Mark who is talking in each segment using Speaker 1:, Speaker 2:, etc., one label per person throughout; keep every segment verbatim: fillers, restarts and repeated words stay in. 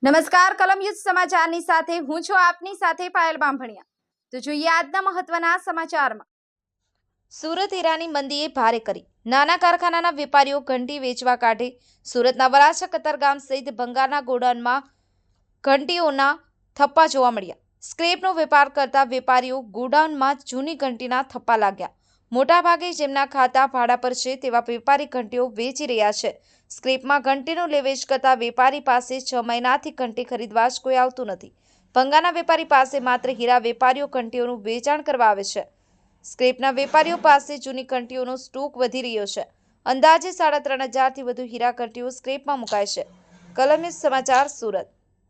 Speaker 1: નમસ્કાર કલમ યુદ્ધ સમાચારની સાથે હું છું આપની સાથે પાયલ બામભણિયા। તો જોઈએ આજના મહત્વના સમાચારમાં। સુરત હીરાની મંદીએ ભારે કરી, નાના કારખાનાના વેપારીઓ ઘંટી વેચવા કાઢે। સુરતના વરાછા કતારગામ સહિત ભંગારના ગોડાઉનમાં ઘંટીઓના થપ્પા જોવા મળ્યા। સ્ક્રેપનો વેપાર કરતા વેપારીઓ ગોડાઉનમાં જૂની ઘંટીના થપ્પા લાગ્યા। મોટાભાગે જેમના ખાતા ભાડા પર છે તેવા વેપારી ઘંટીઓ વેચી રહ્યા છે। સ્ક્રેપમાં ઘંટીનું લેવેચ કરતા વેપારી પાસે છ મહિનાથી ઘંટી ખરીદવા જ કોઈ આવતું નથી। ભંગારના વેપારી પાસે માત્ર હીરા વેપારીઓ ઘંટીઓનું વેચાણ કરવા આવે છે। સ્ક્રેપના વેપારીઓ પાસે જૂની ઘંટીઓનો સ્ટોક વધી રહ્યો છે। અંદાજે સાડા ત્રણ હજારથી વધુ હીરા ઘંટીઓ સ્ક્રેપમાં મુકાય છે। કલમ યુદ્ધ સમાચાર સુરત।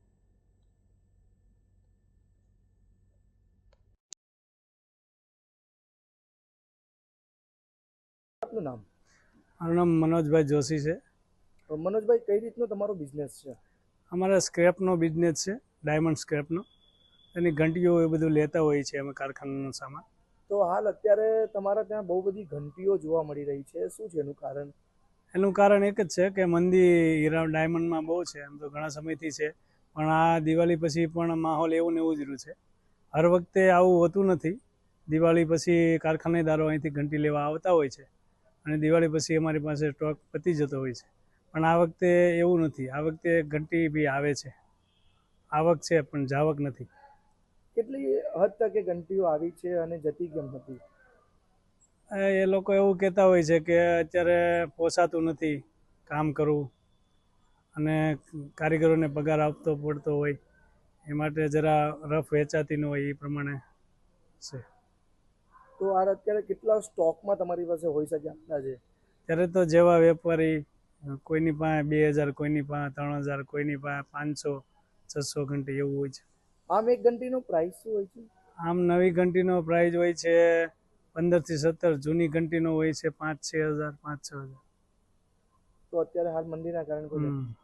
Speaker 2: આપનું નામ?
Speaker 3: મારું નામ મનોજભાઈ જોશી છે।
Speaker 2: મનોજભાઈ, કઈ રીતનો તમારો બિઝનેસ છે?
Speaker 3: અમારા સ્ક્રેપનો બિઝનેસ છે, ડાયમંડ સ્ક્રેપનો। એની ઘંટીઓ એ બધું લેતા હોઈએ છીએ અમે કારખાનાનો સામાન।
Speaker 2: તો હાલ અત્યારે તમારા ત્યાં બહુ બધી ઘંટીઓ જોવા મળી રહી છે, શું છે એનું કારણ?
Speaker 3: એનું કારણ એક જ છે કે મંદી હીરા ડાયમંડમાં બહુ છે, એમ તો ઘણા સમયથી છે, પણ આ દિવાળી પછી પણ માહોલ એવું ને એવું જ રહ્યું છે। હર વખતે આવું હોતું નથી। દિવાળી પછી કારખાનેદારો અહીંથી ઘંટી લેવા આવતા હોય છે અને દિવાળી પછી અમારી પાસે સ્ટોક પતી જતો હોય છે, પણ આ વખતે એવું નથી। આ વખતે ઘંટી બી આવે છે, આવક છે પણ જાવક નથી।
Speaker 2: કેટલી હદ તક એ ઘંટીઓ આવી છે અને જતી કેમ હતી?
Speaker 3: એ લોકો એવું કહેતા હોય છે કે અત્યારે પોસાતું નથી કામ કરવું અને કારીગરોને પગાર આપતો પડતો હોય, એ માટે જરા રફ વેચાતી ન હોય એ પ્રમાણે છે।
Speaker 2: તો આ અત્યારે કેટલા સ્ટોકમાં તમારી પાસે હોઈ શકે અંદાજે?
Speaker 3: ત્યારે તો જેવા વેપારી, કોઈની પાસે બે હજાર, કોઈની પાસે ત્રણ હજાર, કોઈની પાસે પાંચસો છસો ઘંટી એવું હોય છે।
Speaker 2: આમ એક ઘંટીનો પ્રાઇસ શું હોય છે?
Speaker 3: આમ નવી ઘંટીનો પ્રાઇસ હોય છે પંદરથી સત્તર, જૂની ઘંટીનો હોય છે પાંચ છ હજાર પાંચ છ હજાર।
Speaker 2: તો અત્યારે હાલ મંદીના કારણે કોઈ
Speaker 3: હમ